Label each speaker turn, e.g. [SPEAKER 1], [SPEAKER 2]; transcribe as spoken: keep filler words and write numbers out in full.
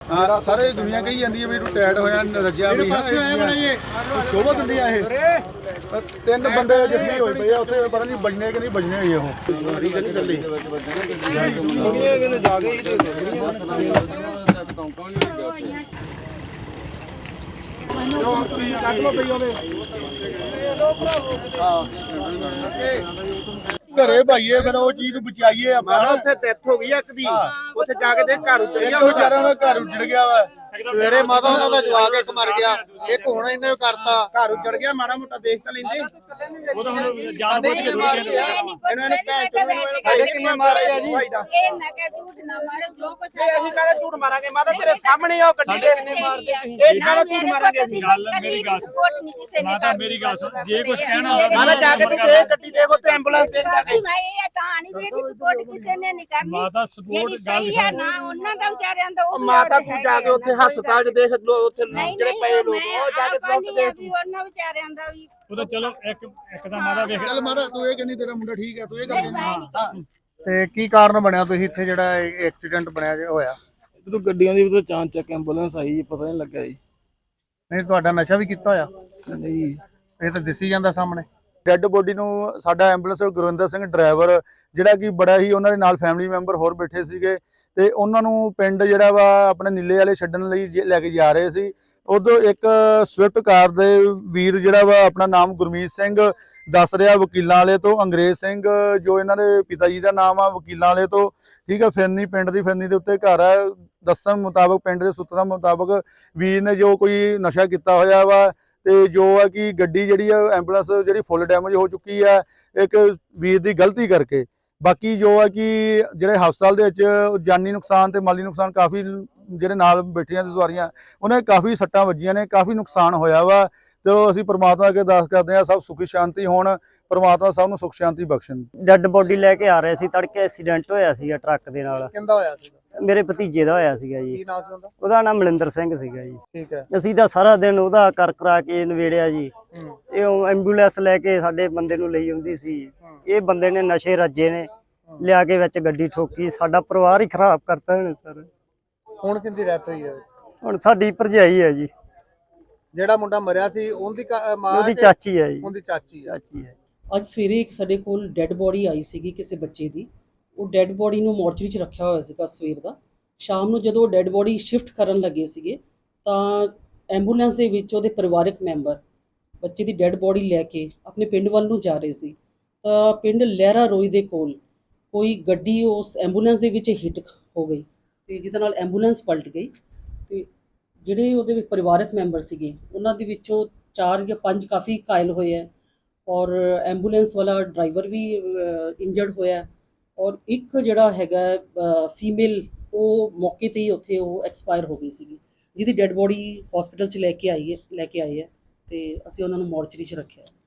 [SPEAKER 1] ਹਾਂ ਸਾਰੇ ਦੁਨੀਆ ਕਹੀ ਜਾਂਦੀ ਹੈ ਵੀ ਰਿਟਾਇਰਡ ਹੋਇਆ ਰੱਜਿਆ ਵੀ ਹੈ ਸ਼ੋਭਾ ਦਿੰਦੀਆਂ ਇਹ ਤਿੰਨ ਬੰਦੇ ਜ਼ਖਮੀ ਹੋਏ ਪਏ ਆ ਉੱਥੇ ਪਤਾ ਨਹੀਂ ਬਜਨੇ ਕਿ ਨਹੀਂ ਬਜਨੇ ਹੋਏ ਉਹ ਵਾਰੀ ਤਾਂ ਨਹੀਂ ਚੱਲੀ ਕਹਿੰਦੇ ਜਾ ਕੇ ਕੱਟ ਲੋ ਪਈ ਉਹਦੇ ਘਰੇ ਭਾਈਏ ਫਿਰ ਉਹ ਚੀਜ਼ ਨੂੰ ਬਚਾਈਏ ਆਪਾਂ
[SPEAKER 2] ਉੱਥੇ ਡੈਥ ਹੋ ਗਈ ਇੱਕ ਦੀ ਉੱਥੇ ਜਾ ਕੇ ਦੇਖ ਘਰ ਉੱਜੜ ਗਿਆ
[SPEAKER 1] ਵਿਚਾਰਿਆਂ ਦਾ ਘਰ ਉੱਜੜ ਗਿਆ ਵਾ ਸਵੇਰੇ ਮਾਤਾ ਉਹਨਾਂ ਦਾ ਜਵਾਕ ਇੱਕ ਮਰ ਗਿਆ ਇੱਕ ਹੁਣ ਇਹਨੇ ਕਰਤਾ
[SPEAKER 2] ਘਰ ਉੱਜੜ ਗਿਆ ਮਾੜਾ ਮੋਟਾ ਦੇਖ ਤਾਂ ਲੈਂਦੇ
[SPEAKER 3] ਉਹ ਤਾਂ ਹੁਣ ਜਾਨ ਬੁੱਝ ਕੇ ਥੋੜੀ
[SPEAKER 2] ਇਹਨੂੰ ਇਹਨੇ ਭੈਣ ਚੋਦ ਕਿੰਨੇ ਮਾਰਿਆ ਜੀ
[SPEAKER 4] ਇਹ ਨਾ ਕਹਿ ਝੂਠ ਨਾ ਮਾਰੋ ਜੋ ਕੁਛ
[SPEAKER 2] ਇਹ ਅਸੀਂ ਕਹਿੰਦੇ ਝੂਠ ਮਾਰਾਂਗੇ ਮਾਤਾ ਤੇਰੇ ਸਾਹਮਣੇ ਉਹ ਗੱਡੀ ਦੇ ਇਹ ਕਹਿੰਦਾ ਝੂਠ ਮਾਰਾਂਗੇ ਅਸੀਂ
[SPEAKER 3] ਗੱਲ ਮੇਰੀ ਗੱਲ
[SPEAKER 4] ਸਪੋਰਟ ਨਹੀਂ ਕਿਸੇ ਨੇ
[SPEAKER 3] ਮਾਤਾ ਮੇਰੀ ਗੱਲ ਸੁਣ ਜੇ ਕੁਝ ਕਹਿਣਾ
[SPEAKER 2] ਮਾਤਾ ਜਾ ਕੇ ਤੂੰ ਦੇ ਗੱਡੀ ਦੇਖੋ ਤੇ ਐਂਬੂਲੈਂਸ ਦੇ ਜਾ ਕੇ
[SPEAKER 4] ਭਾਈ ਇਹ ਤਾਂ ਨਹੀਂ ਵੀ ਸਪੋਰਟ ਕਿਸੇ ਨੇ ਨਹੀਂ ਕਰਨੀ
[SPEAKER 3] ਮਾਤਾ ਸਪੋਰਟ ਗੱਲ
[SPEAKER 4] ਸਹੀ ਹੈ ਨਾ ਉਹਨਾਂ ਦਾ ਵਿਚਾਰਿਆਂ ਦਾ ਉਹ ਵੀ
[SPEAKER 2] ਮਾਤਾ ਤੂੰ ਜਾ ਕੇ ਉੱਥੇ ਹਸਪਤਾਲ 'ਚ ਦੇਖ ਲੋ ਉੱਥੇ ਜਿਹੜੇ ਪਏ ਲੋਕ ਉਹ ਜਾ ਕੇ ਸਪੋਰਟ ਦੇ
[SPEAKER 4] ਵੀ ਉਹਨਾਂ ਵਿਚਾਰਿਆਂ ਦਾ ਵੀ
[SPEAKER 3] ਉਹ ਤਾਂ ਚਲੋ ਇੱਕ ਇੱਕ ਤਾਂ ਮਾਤਾ ਵੇਖ
[SPEAKER 1] ਚੱਲ ਮਾਤਾ ਤੂੰ ਇਹ ਕਹਿੰਦੀ ਤੇਰਾ ਮੁੰਡਾ ਠੀਕ ਹੈ ਤੂੰ ਇਹ ਗੱਲ ਤੇ ਕੀ ਕਾਰਨ ਬਣਿਆ ਤੁਸੀਂ ਇੱਥੇ ਜਿਹੜਾ ਐਕਸੀਡੈਂਟ ਬਣਿਆ ਹੋਇਆ
[SPEAKER 5] ਜਦੋਂ ਗੱਡੀਆਂ ਦੀ ਉਦੋਂ ਚਾਂਚ ਚੱਕ ਐਂਬੂਲੈਂਸ ਆਈ ਜੀ ਪਤਾ ਨਹੀਂ ਲੱਗਾ ਜੀ
[SPEAKER 1] ਨਹੀਂ ਤੁਹਾਡਾ ਨਸ਼ਾ ਵੀ ਕੀਤਾ ਹੋਇਆ
[SPEAKER 5] ਨਹੀਂ
[SPEAKER 1] ਇਹ ਤਾਂ ਦਿਸੀ ਜਾਂਦਾ ਸਾਹਮਣੇ ਡੈੱਡ ਬੋਡੀ ਨੂੰ ਸਾਡਾ ਐਂਬੂਲੈਂਸ ਗੁਰਵਿੰਦਰ ਸਿੰਘ ਡਰਾਈਵਰ ਜਿਹੜਾ ਕਿ ਬੜਾ ਹੀ ਉਹਨਾਂ ਦੇ ਨਾਲ ਫੈਮਿਲੀ ਮੈਂਬਰ ਹੋਰ ਬੈਠੇ ਸੀਗੇ ਤੇ ਉਹਨਾਂ ਨੂੰ ਪਿੰਡ ਜਿਹੜਾ ਵਾ ਆਪਣੇ ਨੀਲੇ ਵਾਲੇ ਛੱਡਣ ਲਈ ਲੈ ਕੇ ਜਾ ਰਹੇ ਸੀ ਉਦੋਂ ਇੱਕ ਸਵਿਫਟ ਕਾਰ ਦੇ ਵੀਰ ਜਿਹੜਾ ਵਾ ਆਪਣਾ ਨਾਮ ਗੁਰਮੀਤ ਸਿੰਘ ਦੱਸ ਰਿਹਾ ਵਕੀਲਾਂ ਵਾਲੇ ਤੋਂ ਅੰਗਰੇਜ਼ ਸਿੰਘ ਜੋ ਇਹਨਾਂ ਦੇ ਪਿਤਾ ਜੀ ਦਾ ਨਾਮ ਆ ਵਕੀਲਾਂ ਵਾਲੇ ਤੋਂ ਠੀਕ ਹੈ ਫਿਰਨੀ ਪਿੰਡ ਦੀ ਫਿਰਨੀ ਦੇ ਉੱਤੇ ਘਰ ਹੈ ਦੱਸਣ ਮੁਤਾਬਕ ਪਿੰਡ ਦੇ ਸੂਤਰਾਂ ਮੁਤਾਬਕ ਵੀਰ ਨੇ ਜੋ ਕੋਈ ਨਸ਼ਾ ਕੀਤਾ ਹੋਇਆ ਵਾ ਤੇ ਜੋ ਹੈ ਕਿ ਗੱਡੀ ਜਿਹੜੀ ਆ ਐਂਬੂਲੈਂਸ ਜਿਹੜੀ ਫੁੱਲ ਡੈਮੇਜ ਹੋ ਚੁੱਕੀ ਹੈ ਇੱਕ ਵੀਰ ਦੀ ਗਲਤੀ ਕਰਕੇ ਬਾਕੀ ਜੋ ਹੈ ਕਿ ਜਿਹੜੇ ਹਸਪਤਾਲ ਦੇ ਵਿੱਚ ਜਾਨੀ ਨੁਕਸਾਨ ਤੇ ਮਾਲੀ ਨੁਕਸਾਨ ਕਾਫੀ ਜਿਹੜੇ ਨਾਲ ਬੈਠੀਆਂ ਸੀ ਸਵਾਰੀਆਂ ਉਹਨਾਂ ਕਾਫੀ ਸੱਟਾਂ ਵੱਜੀਆਂ ਨੇ ਕਾਫੀ ਨੁਕਸਾਨ ਹੋਇਆ ਵਾ ਤੇ ਅਸੀਂ ਪ੍ਰਮਾਤਮਾ ਅੱਗੇ ਅਰਦਾਸ ਕਰਦੇ ਹਾਂ ਸਭ ਸੁਖੀ ਸ਼ਾਂਤੀ ਹੋਣ ਪ੍ਰਮਾਤਮਾ ਸਭ ਨੂੰ ਸੁਖ ਸ਼ਾਂਤੀ ਬਖਸ਼ਣ
[SPEAKER 6] ਡੈੱਡ ਬੋਡੀ ਲੈ ਕੇ ਆ ਰਹੇ ਸੀ ਤੜਕੇ ਐਕਸੀਡੈਂਟ ਹੋਇਆ ਸੀਗਾ ਟਰੱਕ ਦੇ ਨਾਲ
[SPEAKER 1] ਕਿੰਦਾ ਹੋਇਆ ਸੀ
[SPEAKER 6] ਮੇਰੇ ਭਤੀਜੇ ਦਾ ਹੋਇਆ ਸੀਗਾ ਜੀ
[SPEAKER 1] ਕੀ ਨਾਮ ਸੀ ਉਹਦਾ
[SPEAKER 6] ਉਹਦਾ ਨਾਮ ਮਲਿੰਦਰ ਸਿੰਘ ਸੀਗਾ ਜੀ
[SPEAKER 1] ਠੀਕ ਹੈ
[SPEAKER 6] ਅਸੀਂ ਤਾਂ ਸਾਰਾ ਦਿਨ ਉਹਦਾ ਕਰ ਕਰਾ ਕੇ ਨਵੇੜਿਆ ਜੀ ਇਹ ਐਂਬੂਲੈਂਸ ਲੈ ਕੇ ਸਾਡੇ ਬੰਦੇ ਨੂੰ ਲਈ ਆਉਂਦੀ ਸੀ ਇਹ ਬੰਦੇ ਨੇ ਨਸ਼ੇ ਰੱਜੇ ਨੇ ਲਿਆ ਕੇ ਵਿੱਚ ਗੱਡੀ ਠੋਕੀ ਸਾਡਾ ਪਰਿਵਾਰ ਹੀ ਖਰਾਬ ਕਰਤਾ ਇਹਨੇ ਸਰ
[SPEAKER 1] ਹੁਣ ਕਿੰਦੀ ਡੈਥ ਹੋਈ ਹੈ
[SPEAKER 6] ਹੁਣ ਸਾਡੀ ਭਰਜਾਈ ਹੈ ਜੀ
[SPEAKER 1] ਜਿਹੜਾ ਮੁੰਡਾ ਮਰਿਆ ਸੀ ਉਹਦੀ ਮਾਂ
[SPEAKER 6] ਉਹਦੀ ਚਾਚੀ ਹੈ ਜੀ
[SPEAKER 1] ਉਹਦੀ ਚਾਚੀ ਹੈ
[SPEAKER 6] ਚਾਚੀ ਹੈ
[SPEAKER 7] ਅੱਜ ਸਵੇਰੇ ਇੱਕ ਸਾਡੇ ਕੋਲ ਡੈੱਡ ਬੋਡੀ ਆਈ ਸੀਗੀ ਕਿਸੇ ਬੱਚੇ ਦੀ ਉਹ ਡੈੱਡ ਬੋਡੀ ਨੂੰ ਮੋਰਚਰੀ 'ਚ ਰੱਖਿਆ ਹੋਇਆ ਸੀਗਾ ਸਵੇਰ ਦਾ ਸ਼ਾਮ ਨੂੰ ਜਦੋਂ ਡੈੱਡ ਬੋਡੀ ਸ਼ਿਫਟ ਕਰਨ ਲੱਗੇ ਸੀਗੇ ਤਾਂ ਐਂਬੂਲੈਂਸ ਦੇ ਵਿੱਚ ਉਹਦੇ ਪਰਿਵਾਰਕ ਮੈਂਬਰ ਬੱਚੇ ਦੀ ਡੈੱਡ ਬੋਡੀ ਲੈ ਕੇ ਆਪਣੇ ਪਿੰਡ ਵੱਲ ਨੂੰ ਜਾ ਰਹੇ ਸੀ ਤਾਂ ਪਿੰਡ ਲਹਿਰਾ ਰੋਈ ਦੇ ਕੋਲ ਕੋਈ ਗੱਡੀ ਉਸ ਐਂਬੂਲੈਂਸ ਦੇ ਵਿੱਚ ਹਿੱਟ ਹੋ ਗਈ ਤੇ ਜਿਹਦੇ ਨਾਲ ਐਂਬੂਲੈਂਸ ਪਲਟ ਗਈ ਤੇ ਜਿਹੜੇ ਉਹਦੇ ਵਿੱਚ ਪਰਿਵਾਰਕ ਮੈਂਬਰ ਸੀਗੇ ਉਹਨਾਂ ਦੇ ਵਿੱਚੋਂ ਚਾਰ ਜਾਂ ਪੰਜ ਕਾਫੀ ਘਾਇਲ ਹੋਏ ਹੈ ਔਰ ਐਂਬੂਲੈਂਸ ਵਾਲਾ ਡਰਾਈਵਰ ਵੀ ਇੰਜਰਡ ਹੋਇਆ ਔਰ ਇੱਕ ਜਿਹੜਾ ਹੈਗਾ ਫੀਮੇਲ ਉਹ ਮੌਕੇ ਤੇ ਹੀ ਉੱਥੇ ਉਹ ਐਕਸਪਾਇਰ ਹੋ ਗਈ ਸੀਗੀ ਜਿਹਦੀ ਡੈੱਡ ਬੋਡੀ ਹਸਪੀਟਲ 'ਚ ਲੈ ਕੇ ਆਈ ਹੈ ਲੈ ਕੇ ਆਏ ਹੈ ਤੇ ਅਸੀਂ ਉਹਨਾਂ ਨੂੰ ਮੋਰਚਰੀ 'ਚ ਰੱਖਿਆ